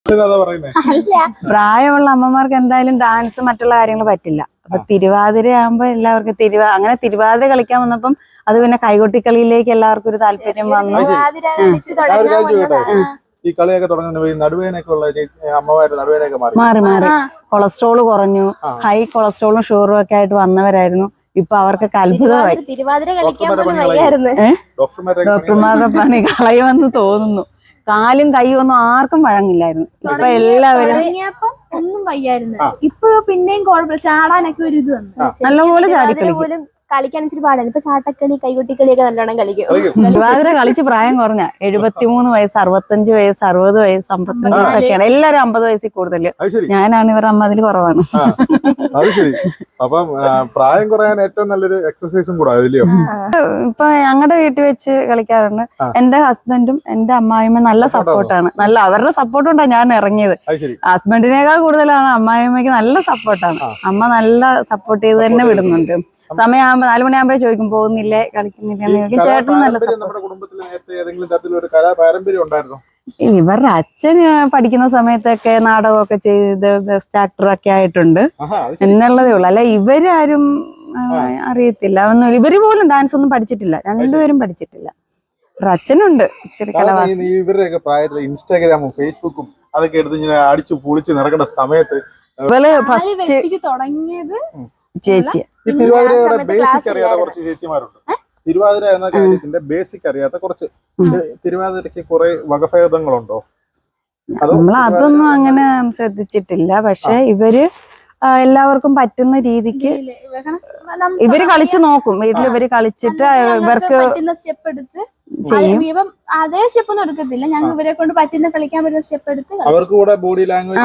പ്രായമുള്ള അമ്മമാർക്ക് എന്തായാലും ഡാൻസ് മറ്റുള്ള കാര്യങ്ങൾ പറ്റില്ല. അപ്പൊ തിരുവാതിര ആകുമ്പോ എല്ലാവർക്കും അങ്ങനെ തിരുവാതിര കളിക്കാൻ വന്നപ്പം അത് പിന്നെ കൈകൊട്ടിക്കളിയിലേക്ക് എല്ലാവർക്കും ഒരു താല്പര്യം വന്നു. ഈ കളിയൊക്കെ തുടങ്ങുന്ന നടുവേനൊക്കെ ഉള്ള അമ്മമാര് നടുവേനൊക്കെ മാറി കൊളസ്ട്രോൾ കുറഞ്ഞു, ഹൈ കൊളസ്ട്രോളും ഷുഗറും ഒക്കെ ആയിട്ട് വന്നവരായിരുന്നു. ഇപ്പൊ അവർക്കൊക്കെ അത്ഭുതമായി. ഡോക്ടർമാരുടെ പണി കളയുമെന്ന് തോന്നുന്നു. കാലും കൈയും ഒന്നും ആർക്കും വഴങ്ങില്ലായിരുന്നു. ഇപ്പൊ എല്ലാവരും ഒന്നും വയ്യായിരുന്നു. ഇപ്പൊ പിന്നെയും കുഴപ്പമില്ല, ചാടാനൊക്കെ ഒരു ഇത് വന്നു. നല്ലപോലെ ചാടിക്കളിക്കും. കളിക്കാൻ ഇച്ചിരി പാടാണ്. ഇപ്പൊ ചാട്ടക്കളി കൈകൊട്ടിക്കളിയൊക്കെ നല്ലോണം കളിക്കും. തിരുവാതിര കളിച്ച് പ്രായം കുറഞ്ഞ 73 വയസ്സ്, 65 വയസ്സ്, 60 വയസ്സ്, 55 വയസ്സൊക്കെയാണ്. എല്ലാരും 50 വയസ്സിൽ കൂടുതല്. ഞാനാണ് ഇവർ 50 കുറവാണ്. അത് ശരി. അപ്പം പ്രായം കുറയാൻ ഏറ്റവും നല്ലൊരു എക്സസൈസും കൂടെ ഇപ്പൊ ഞങ്ങളുടെ വീട്ടിൽ വെച്ച് കളിക്കാറുണ്ട്. എന്റെ ഹസ്ബൻഡും എന്റെ അമ്മായിമ്മ നല്ല സപ്പോർട്ടാണ്. അവരുടെ സപ്പോർട്ട് കൊണ്ടാണ് ഞാൻ ഇറങ്ങിയത്. ഹസ്ബൻഡിനേക്കാൾ കൂടുതലാണ് അമ്മായിമ്മയ്ക്ക് നല്ല സപ്പോർട്ടാണ്. അമ്മ നല്ല സപ്പോർട്ട് ചെയ്ത് തന്നെ വിടുന്നുണ്ട്. സമയമാകുമ്പോ 4 മണിയാകുമ്പോഴേ ചോദിക്കും പോകുന്നില്ലേ കളിക്കുന്നില്ല. ചേട്ടനും നല്ല സപ്പോർട്ട്. ഇവരുടെ അച്ഛൻ പഠിക്കുന്ന സമയത്തൊക്കെ നാടകമൊക്കെ ചെയ്ത് ബെസ്റ്റ് ആക്ടറൊക്കെ ആയിട്ടുണ്ട് എന്നുള്ളതേ ഉള്ളു. അല്ല ഇവരാരും അറിയത്തില്ല ഒന്നും. ഇവര് പോലും ഡാൻസ് ഒന്നും പഠിച്ചിട്ടില്ല. രണ്ടുപേരും പഠിച്ചിട്ടില്ല. ഇവരുടെ അച്ഛനുണ്ട് ഇച്ചിരി കലാവാസന. ഇവരുടെയൊക്കെ പ്രായത്തിൽ ഇൻസ്റ്റാഗ്രാമും ഫേസ്ബുക്കും അതൊക്കെ എടുത്ത് ഇങ്ങനെ അടിച്ചു പൊളിച്ച് നടക്കുന്ന സമയത്ത് ഇവള് ഫസ്റ്റ് തുടങ്ങിയത് ചേച്ചി. തിരുവാതിരയുടെ ബേസിക് അറിയാത്ത കുറച്ച് ചേച്ചിമാരുണ്ട്. തിരുവാതിര എന്ന കാര്യത്തിന്റെ ബേസിക് അറിയാത്ത കുറച്ച്. തിരുവാതിരക്ക് കുറെ വകഭേദങ്ങളുണ്ടോ? അതൊന്നും അങ്ങനെ ശ്രദ്ധിച്ചിട്ടില്ല. പക്ഷെ ഇവര് എല്ലാവർക്കും പറ്റുന്ന രീതിക്ക് ഇവര് കളിച്ചു നോക്കും. വീട്ടിൽ ഇവര് കളിച്ചിട്ട് ഇവർക്ക് സ്റ്റെപ്പ് എടുത്ത് ചെയ്യും. അതേ സ്റ്റെപ്പ് ഒന്നും എടുക്കത്തില്ല. ഞങ്ങൾ ഇവരെ കൊണ്ട് പറ്റുന്ന കളിക്കാൻ പറ്റുന്ന സ്റ്റെപ്പ് എടുത്ത് അവർക്ക് കൂടെ ബോഡി ലാംഗ്വേജ്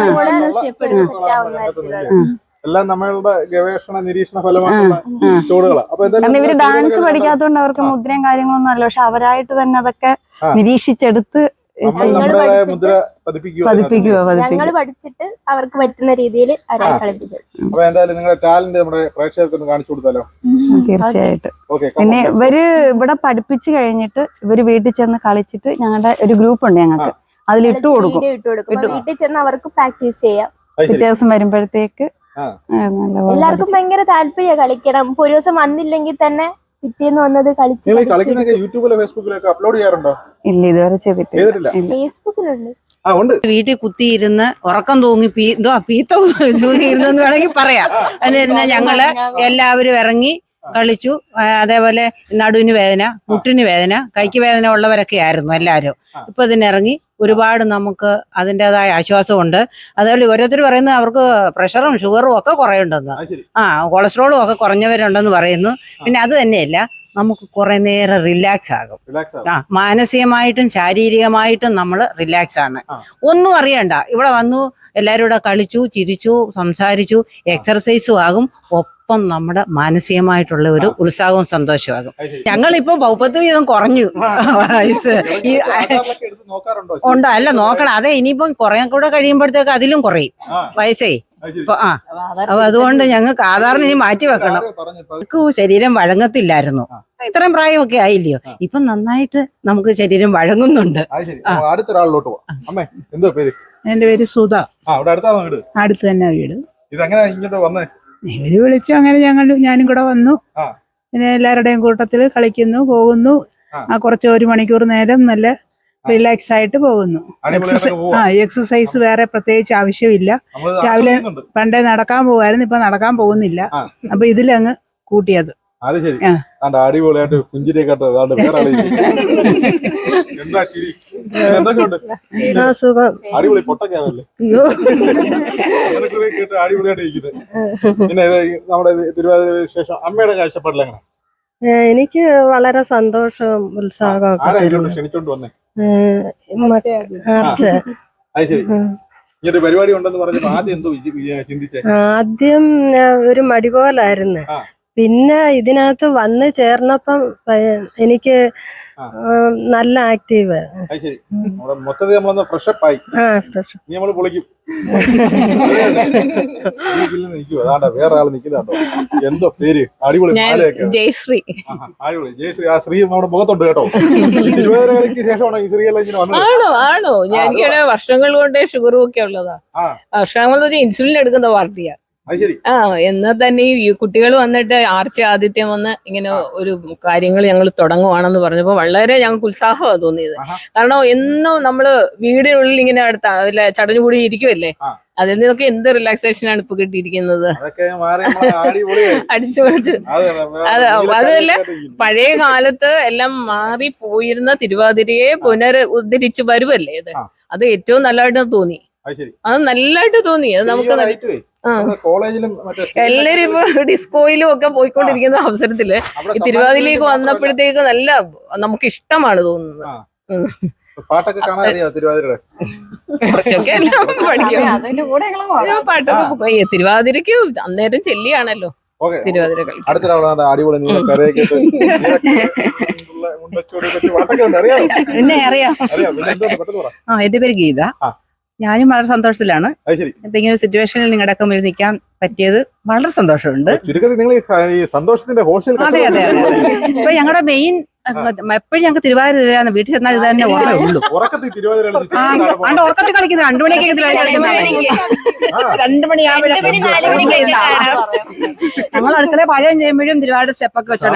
എല്ലാം നമ്മളുടെ ഗവേഷണ നിരീക്ഷണ ഫലമായിട്ടുള്ള ചുവടുകളാണ്. അപ്പൊ ഇവര് ഡാൻസ് പഠിക്കാത്തതുകൊണ്ട് അവർക്ക് മുദ്രയും കാര്യങ്ങളൊന്നും അല്ല. പക്ഷെ അവരായിട്ട് തന്നെ അതൊക്കെ നിരീക്ഷിച്ചെടുത്ത് ഞങ്ങൾ പഠിച്ചിട്ട് അവർക്ക് പറ്റുന്ന രീതിയിൽ അവരെ കളിപ്പിച്ചു. അപ്പൊ എന്തായാലും നിങ്ങളുടെ ടാലന്റ് നമ്മുടെ പ്രേക്ഷകർക്ക് കാണിച്ചു കൊടുത്താലോ? തീർച്ചയായിട്ടും. പിന്നെ ഇവര് ഇവിടെ പഠിപ്പിച്ചു കഴിഞ്ഞിട്ട് ഇവര് വീട്ടിൽ ചെന്ന് കളിച്ചിട്ട് ഞങ്ങളുടെ ഒരു ഗ്രൂപ്പ് ഉണ്ട് ഞങ്ങൾക്ക്. അതിലിട്ട് കൊടുക്കും. വീട്ടിൽ ചെന്ന് അവർക്ക് പ്രാക്ടീസ് ചെയ്യാം. വ്യത്യാസം വരുമ്പോഴത്തേക്ക് എല്ലാവർക്കും ഭയങ്കര താല്പര്യ കളിക്കണം. ഇപ്പൊ ഒരു ദിവസം വന്നില്ലെങ്കിൽ തന്നെ പിറ്റേന്ന് വന്നത് കളിച്ച്. യൂട്യൂബിലോ ഫേസ്ബുക്കിലൊക്കെ അപ്ലോഡ് ചെയ്യാറുണ്ടോ? ഇല്ല, ഇതുവരെ ചെയ്തിട്ടില്ല. ഫേസ്ബുക്കിലുണ്ട്. വീട്ടിൽ കുത്തിയിരുന്ന് ഉറക്കം തൂങ്ങി പീത്ത തൂങ്ങിയിരുന്നെന്ന് വേണമെങ്കിൽ പറയാം. അതിന് ഞങ്ങള് എല്ലാവരും ഇറങ്ങി കളിച്ചു. അതേപോലെ നടുവിന് വേദന, മുട്ടിന് വേദന, കൈക്ക് വേദന ഉള്ളവരൊക്കെ ആയിരുന്നു എല്ലാവരും. ഇപ്പൊ ഇതിനിറങ്ങി ഒരുപാട് നമുക്ക് അതിൻ്റെതായ ആശ്വാസമുണ്ട്. അതേപോലെ ഓരോരുത്തർ പറയുന്നത് അവർക്ക് പ്രഷറും ഷുഗറും ഒക്കെ കുറയുണ്ടെന്ന്, കൊളസ്ട്രോളും ഒക്കെ കുറഞ്ഞവരുണ്ടെന്ന് പറയുന്നു. പിന്നെ അത് തന്നെയല്ല, നമുക്ക് കുറെ നേരം റിലാക്സ് ആകും. മാനസികമായിട്ടും ശാരീരികമായിട്ടും നമ്മൾ റിലാക്സ് ആണ്. ഒന്നും അറിയണ്ട. ഇവിടെ വന്നു എല്ലാവരും കൂടെ കളിച്ചു, ചിരിച്ചു, സംസാരിച്ചു, എക്സർസൈസും ആകും. ഒപ്പം നമ്മുടെ മാനസികമായിട്ടുള്ള ഒരു ഉത്സാഹവും സന്തോഷമാകും. ഞങ്ങളിപ്പോ 30 വീതം കുറഞ്ഞു വയസ്സ്. ഉണ്ടോ? അല്ല നോക്കണം. അതെ, ഇനിയിപ്പം കുറെ കൂടെ കഴിയുമ്പോഴത്തേക്ക് അതിലും കുറയും വയസ്സേ. അപ്പൊ അതുകൊണ്ട് ഞങ്ങൾക്ക് ആധാറിന് ഇനി മാറ്റി വെക്കണം. നമുക്ക് ശരീരം വഴങ്ങത്തില്ലായിരുന്നു. ഇത്രയും പ്രായമൊക്കെ ആയില്ലയോ. ഇപ്പൊ നന്നായിട്ട് നമുക്ക് ശരീരം വഴങ്ങുന്നുണ്ട്. എന്റെ പേര് സുധ. അടുത്ത് തന്നെ വീട്. ഇവര് വിളിച്ചു, അങ്ങനെ ഞാനും കൂടെ വന്നു. പിന്നെ എല്ലാവരുടെയും കൂട്ടത്തില് കളിക്കുന്നു, പോകുന്നു. കുറച്ച് 1 മണിക്കൂർ നേരം നല്ല റിലാക്സ് ആയിട്ട് പോകുന്നു. എക്സസൈസ് വേറെ പ്രത്യേകിച്ച് ആവശ്യമില്ല. രാവിലെ പണ്ടേ നടക്കാൻ പോകുമായിരുന്നു, ഇപ്പൊ നടക്കാൻ പോകുന്നില്ല. അപ്പൊ ഇതിലങ്ങ് കൂട്ടിയത്. അത് ശരി. അടിപൊളിയായിട്ട് പുഞ്ചിരിയൊക്കെ അടിപൊളി പൊട്ടൊക്കെയാണല്ലേ അടിപൊളിയായിട്ട് ഇരിക്കുന്നത്. പിന്നെ നമ്മുടെ തിരുവാതിര വിശേഷം അമ്മയുടെ കാഴ്ചപ്പാടിലെങ്ങനെ? എനിക്ക് വളരെ സന്തോഷവും ഉത്സാഹവും ക്ഷണിച്ചോണ്ട് വന്നേ? ഇങ്ങനൊരു പരിപാടി ഉണ്ടെന്ന് പറഞ്ഞപ്പോ ആദ്യം എന്തോ ചിന്തിച്ചേ? ആദ്യം ഒരു മടി പോലായിരുന്നു. പിന്നെ ഇതിനകത്ത് വന്ന് ചേർന്നപ്പം എനിക്ക് നല്ല ആക്റ്റീവ്. അത് ശരി. മൊത്തത്തിൽ നമ്മളൊന്ന് ഫ്രഷപ്പ് ആയി. ഇനി നമ്മള് പൊളിക്കും. നിൽക്കുവോ അതാണ്ടാ വേറെ ആള് നിൽക്കുന്നുണ്ടോ? എന്തോ പേര്? അടിപൊളി മാലയൊക്കെ. ജയശ്രീ. അടിപൊളി ജയശ്രീ. ആ ശ്രീ നമ്മുടെ മുഖത്തുണ്ട് കേട്ടോ. തിരുവാതിര കളിക്ക് ശേഷമാണോ ഈ ശ്രീയെല്ലാം ഇങ്ങനെ വന്നത്? ആണോ എനിക്കാണ് വർഷങ്ങൾ കൊണ്ട് ഷുഗറും ഒക്കെ ഉള്ളതാ. വർഷങ്ങൾ വെച്ചാൽ ഇൻസുലിൻ എടുക്കുന്ന പാർട്ടിയാ. എന്നാൽ തന്നെ ഈ കുട്ടികൾ വന്നിട്ട് ആർച്ച ആദിത്യം വന്ന് ഇങ്ങനെ ഒരു കാര്യങ്ങൾ ഞങ്ങൾ തുടങ്ങുവാണെന്ന് പറഞ്ഞപ്പോൾ വളരെ ഞങ്ങൾക്ക് ഉത്സാഹമാണ് തോന്നിയത്. കാരണം എന്നും നമ്മള് വീടിനുള്ളിൽ ഇങ്ങനെ അതിലെ ചടഞ്ഞുകൂടി ഇരിക്കുമല്ലേ, അതിൽ നിന്നൊക്കെ എന്ത് റിലാക്സേഷൻ ആണ് ഇപ്പൊ കിട്ടിയിരിക്കുന്നത്. അടിച്ചു പൊളിച്ചു. അതല്ല പഴയ കാലത്ത് എല്ലാം മാറി പോയിരുന്ന തിരുവാതിരയെ ഉദ്ധരിച്ചു വരുമല്ലേ ഇത്. അത് ഏറ്റവും നല്ലതായിട്ട് തോന്നി. അത് നല്ലതായിട്ട് തോന്നി. അത് നമുക്ക് കോളേജിലും എല്ലാരും ഇപ്പൊ ഡിസ്കോയിലും ഒക്കെ പോയിക്കൊണ്ടിരിക്കുന്ന അവസരത്തില് ഈ തിരുവാതിരയിലേക്ക് വന്നപ്പോഴത്തേക്ക് നല്ല നമുക്ക് ഇഷ്ടമാണ് തോന്നുന്നത്. പാട്ടൊക്കെ കാണാൻ അറിയാം തിരുവാതിരയുടെ? കുറച്ചൊക്കെ എല്ലാം പഠിക്കും. പാട്ടൊക്കെ തിരുവാതിരക്ക് അന്നേരം ചെല്ലിയാണല്ലോ തിരുവാതിര കളി. അടിപൊളി പിന്നെ അറിയാം. എന്റെ പേര് ഗീത. ഞാനും വളരെ സന്തോഷത്തിലാണ്. ഇപ്പൊ ഇങ്ങനെ ഒരു സിറ്റുവേഷനിൽ നിങ്ങളുടെ ഒക്കെ മുന്നിൽ നിൽക്കാൻ പറ്റിയത് വളരെ സന്തോഷമുണ്ട്. അതെ അതെ അതെ. ഇപ്പൊ ഞങ്ങളുടെ മെയിൻ എപ്പോഴും ഞങ്ങൾക്ക് തിരുവാതിര തരാന്ന് വീട്ടിൽ ചെന്നാൽ ഇത് തന്നെ ഓർമ്മയുള്ളൂ. പണ്ട് ഉറക്കത്തിൽ കളിക്കുന്നത് 2 മണിയൊക്കെ 2 മണിയാകുമ്പോഴേ ഞങ്ങൾ അടുക്കള പാചകം ചെയ്യുമ്പോഴും തിരുവാതിര സ്റ്റെപ്പൊക്കെ വെച്ചോണ്ട്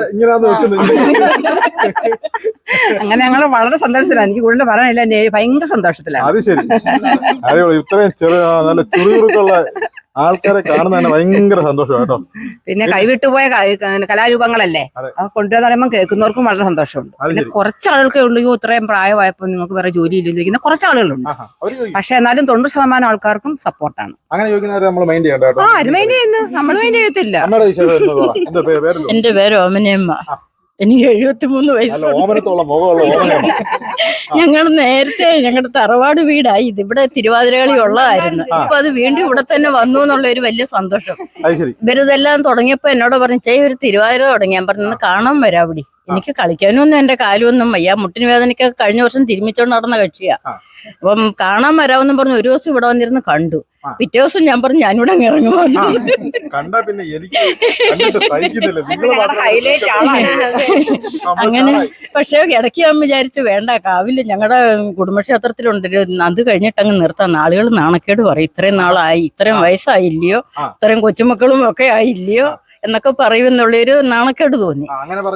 അങ്ങനെ ഞങ്ങൾ വളരെ സന്തോഷത്തിലാണ്. എനിക്ക് കൂടുതൽ പറയാനില്ല, ഭയങ്കര സന്തോഷത്തിലാണ്. അത് ശരി. ഇത്രയും ചെറിയ നല്ല ചുറുചുറുക്കുള്ള ആൾക്കാരെ കാണുന്ന തന്നെ ഭയങ്കര സന്തോഷം കേട്ടോ. പിന്നെ കൈവിട്ടുപോയ കലാരൂപങ്ങളല്ലേ, അത് കൊണ്ടുവന്ന് പറയുമ്പോൾ കേൾക്കുന്നവർക്കും വളരെ സന്തോഷമുണ്ട്. പിന്നെ കുറച്ച് ആളുകൾക്കേ ഉള്ളൂ ഇത്രയും പ്രായമായപ്പോൾ നിങ്ങൾക്ക് വേറെ ജോലി ഇല്ലിരിക്കുന്ന കുറച്ച് ആളുകളുണ്ട്. പക്ഷെ എന്നാലും 90% ആൾക്കാർക്കും സപ്പോർട്ടാണ്. നമ്മൾ മൈൻഡ് ചെയ്യുന്നു, നമ്മൾ മൈൻഡ് ചെയ്യത്തില്ല. എന്റെ പേര് ഓമനയമ്മ. എനിക്ക് 73 വയസ്സ്. ഞങ്ങൾ നേരത്തെ ഞങ്ങളുടെ തറവാട് വീടായി ഇത് ഇവിടെ തിരുവാതിരകളി ഉള്ളതായിരുന്നു. ഇപ്പൊ അത് വീണ്ടും ഇവിടെ തന്നെ വന്നു എന്നുള്ള ഒരു വലിയ സന്തോഷം. ഇവരിതെല്ലാം തുടങ്ങിയപ്പോ എന്നോട് പറഞ്ഞു ഒരു തിരുവാതിര തുടങ്ങി. ഞാൻ പറഞ്ഞു കാണാൻ വരാം അവിടെ. എനിക്ക് കളിക്കാനൊന്നും എന്റെ കാലമൊന്നും വയ്യ, മുട്ടിന് വേദനയ്ക്കൊക്കെ കഴിഞ്ഞ വർഷം തിരുമിച്ചോണ്ട് നടന്ന കക്ഷിയാ. അപ്പം കാണാൻ വരാമെന്നും പറഞ്ഞു ഒരു ദിവസം ഇവിടെ വന്നിരുന്ന് കണ്ടു. പിറ്റേ ദിവസം ഞാൻ പറഞ്ഞു ഞാനിവിടെ അങ്ങ് ഇറങ്ങുമോ. അങ്ങനെ പക്ഷെ ഇടയ്ക്ക് ഞാൻ വിചാരിച്ചു വേണ്ട, കാവില് ഞങ്ങളുടെ കുടുംബക്ഷേത്രത്തിലുണ്ട്, അത് കഴിഞ്ഞിട്ട് അങ്ങ് നിർത്താം. നാളുകൾ നാണക്കേട് പറയും, ഇത്രയും നാളായി, ഇത്രയും വയസ്സായില്ലയോ, ഇത്രയും കൊച്ചുമക്കളും ഒക്കെ ആയില്ലയോ എന്നൊക്കെ പറയുമെന്നുള്ളൊരു നാണക്കേട് തോന്നി.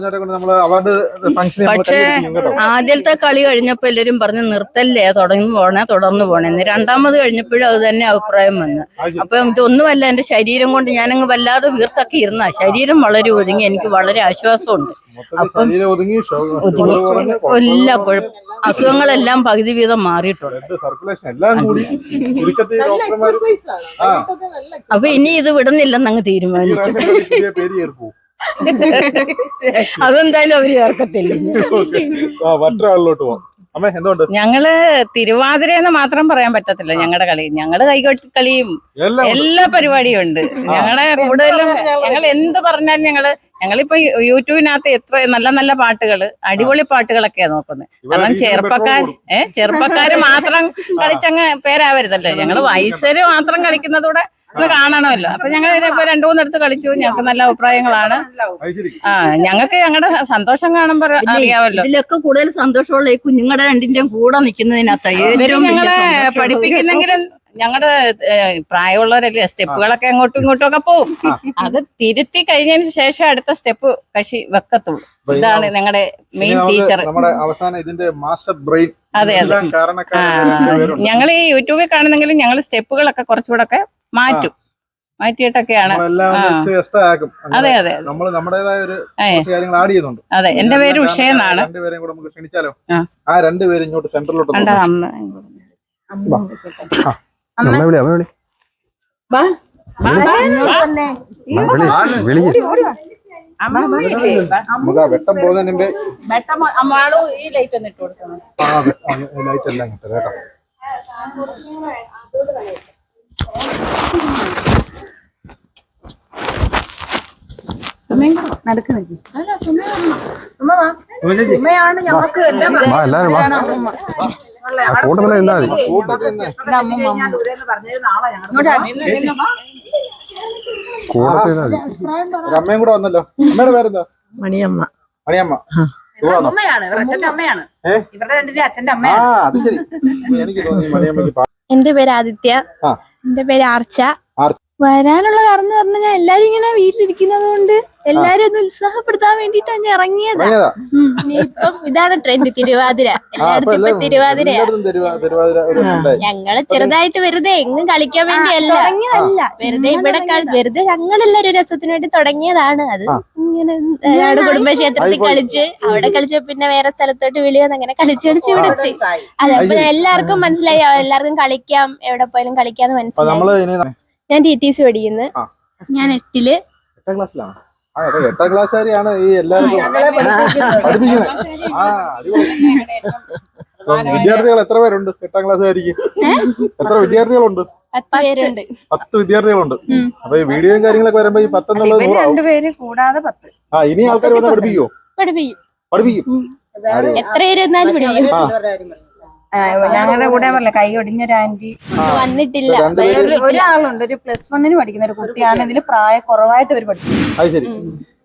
പക്ഷെ ആദ്യത്തെ കളി കഴിഞ്ഞപ്പോ എല്ലാരും പറഞ്ഞു നിർത്തല്ലേ, തുടർന്നു പോണേന്ന്. രണ്ടാമത് കഴിഞ്ഞപ്പോഴും അത് തന്നെ അഭിപ്രായം വന്നു. അപ്പൊ ഇതൊന്നുമല്ല, എന്റെ ശരീരം കൊണ്ട് ഞാനങ്ങ് വല്ലാതെ വീർത്തൊക്കെ ഇരുന്ന ശരീരം വളരെ ഒതുങ്ങി, എനിക്ക് വളരെ ആശ്വാസമുണ്ട്. അപ്പം എല്ലാ അസുഖങ്ങളെല്ലാം പകുതി വീതം മാറിയിട്ടുണ്ട്. അപ്പൊ ഇനി ഇത് വിടുന്നില്ലെന്ന് അങ്ങ് തീരുമാനിച്ചു. അതെന്തായാലും അവര് ചേർക്കത്തില്ല. ഞങ്ങള് തിരുവാതിര എന്ന് മാത്രം പറയാൻ പറ്റത്തില്ല. ഞങ്ങളുടെ കളി, ഞങ്ങളുടെ കൈകൊട്ടി കളിയും എല്ലാ പരിപാടിയും ഉണ്ട്. ഞങ്ങളുടെ കൂടുതലും ഞങ്ങൾ എന്ത് പറഞ്ഞാലും ഞങ്ങളിപ്പോ യൂട്യൂബിനകത്ത് എത്ര നല്ല നല്ല പാട്ടുകള്, അടിപൊളി പാട്ടുകളൊക്കെയാ നോക്കുന്നത്. കാരണം ചെറുപ്പക്കാര് മാത്രം കളിച്ചങ്ങ് പേരാവരുതല്ലോ. ഞങ്ങള് വയസ്സര് മാത്രം കളിക്കുന്നതൂടെ ഒന്ന് കാണണമല്ലോ. അപ്പൊ ഞങ്ങൾ ഇപ്പൊ 2-3 കളിച്ചു. ഞങ്ങൾക്ക് നല്ല അഭിപ്രായങ്ങളാണ്. ഞങ്ങൾക്ക് ഞങ്ങളുടെ സന്തോഷം കാണുമ്പോ അറിയാമല്ലോ. ഇതിലൊക്കെ കൂടുതൽ സന്തോഷമുള്ള ഈ കുഞ്ഞുങ്ങളുടെ രണ്ടിന്റെയും കൂടെ നിൽക്കുന്നതിനകത്ത് ഞങ്ങളെ പഠിപ്പിക്കുന്നെങ്കിലും ഞങ്ങളുടെ പ്രായമുള്ളവരല്ലേ, സ്റ്റെപ്പുകളൊക്കെ അങ്ങോട്ടും ഇങ്ങോട്ടും ഒക്കെ പോവും. അത് തിരുത്തി കഴിഞ്ഞതിന് ശേഷം അടുത്ത സ്റ്റെപ്പ് കക്ഷി വെക്കത്തുള്ളൂ. ഇതാണ് ഞങ്ങളുടെ മെയിൻ ടീച്ചർ. അതെ അതെ. ഞങ്ങൾ ഈ യൂട്യൂബിൽ കാണുന്നെങ്കിലും ഞങ്ങൾ സ്റ്റെപ്പുകളൊക്കെ കുറച്ചുകൂടെ ഒക്കെ മാറ്റിയിട്ടൊക്കെയാണ്. അതെ അതെ അതെ. എന്റെ പേര് ഉഷ എന്നാണ്. ആ രണ്ടുപേരും ഇങ്ങോട്ട് സെന്ററിലോട്ട് വെട്ടം പോകുന്നതിന്റെ ഈ ലൈറ്റ് ഒന്ന് ഇട്ട് കൊടുക്കണം. ലൈറ്റ് എല്ലാം കിട്ടും കേട്ടോ. ഉമ്മയാണ് ഞങ്ങൾക്ക് എല്ലാം കൂട്ടത്തിൽ നിന്നാ മതി. അമ്മയും കൂടെ വന്നല്ലോ. അമ്മയുടെ പേരെന്താ? മണിയമ്മ. മണിയമ്മ. സുഖമാണോ? അച്ഛന്റെ അമ്മയാണ് ഇവരുടെ രണ്ടിന്റെ അച്ഛന്റെ ആ അത് ശരി. എനിക്ക് തോന്നി മണിയമ്മക്ക് എന്റെ പേര് ആദിത്യ. ആ. എന്റെ പേര് ആർച്ച. ആർച്ച. വരാനുള്ള കാരണം എന്ന് പറഞ്ഞാൽ എല്ലാരും ഇങ്ങനെ വീട്ടിലിരിക്കുന്നത് കൊണ്ട് എല്ലാരും ഒന്ന് ഉത്സാഹപ്പെടുത്താൻ വേണ്ടിട്ടാണ് ഞാൻ ഇറങ്ങിയത്. ഇപ്പം ഇതാണ് ട്രെൻഡ്, തിരുവാതിര. എല്ലായിടത്തും ഇപ്പൊ തിരുവാതിരയാ. ഞങ്ങള് ചെറുതായിട്ട് വെറുതെ എങ്ങും കളിക്കാൻ വേണ്ടിയല്ല, വെറുതെ ഇവിടെ വെറുതെ ഞങ്ങളെല്ലാരും രസത്തിന് വേണ്ടി തുടങ്ങിയതാണ്. അത് ഇങ്ങനെ കുടുംബക്ഷേത്രത്തിൽ കളിച്ച് അവിടെ കളിച്ച് പിന്നെ വേറെ സ്ഥലത്തോട്ട് വിളിയോന്ന് അങ്ങനെ കളിച്ച് ഇവിടെ എത്തി. അതെ, എല്ലാവർക്കും മനസ്സിലായി, എല്ലാവർക്കും കളിക്കാം, എവിടെ പോയാലും കളിക്കാന്ന് മനസ്സിലായി. ഞാൻ TTC പഠിക്കുന്നു. ഞാൻ 8ല്. 8ാം ക്ലാസ്സിലാണ്. എട്ടാം ക്ലാസ്സുകാരിയാണ് ഈ എല്ലാവർക്കും പഠിപ്പിക്കുന്നത്. വിദ്യാർത്ഥികൾ എത്ര പേരുണ്ട് 8ാം ക്ലാസ്സുകാരിക്ക്? എത്ര വിദ്യാർത്ഥികളുണ്ട്? 10 പേരുണ്ട്. 10 വിദ്യാർത്ഥികളുണ്ട്. അപ്പൊ ഈ വീഡിയോയും കാര്യങ്ങളൊക്കെ വരുമ്പോ ഈ 10 എന്നുള്ളത് 100 ആവും. 2 പേര് കൂടാതെ 10. ഇനി ആൾക്കാർ വന്ന് പഠിപ്പിക്കുവോ? പഠിപ്പിക്കും. എത്ര പേര് എന്നാലും പഠിപ്പിക്കും. ഞങ്ങളുടെ കൂടെ പറഞ്ഞ കൈ ഒടിഞ്ഞൊരു ആന്റി വന്നിട്ടില്ല. ഒരാളുണ്ട്, ഒരു +1 പഠിക്കുന്ന ഒരു കുട്ടിയാണ്. ഇതിൽ പ്രായ കുറവായിട്ട് അവർ പഠിക്കും. അത് ശരി.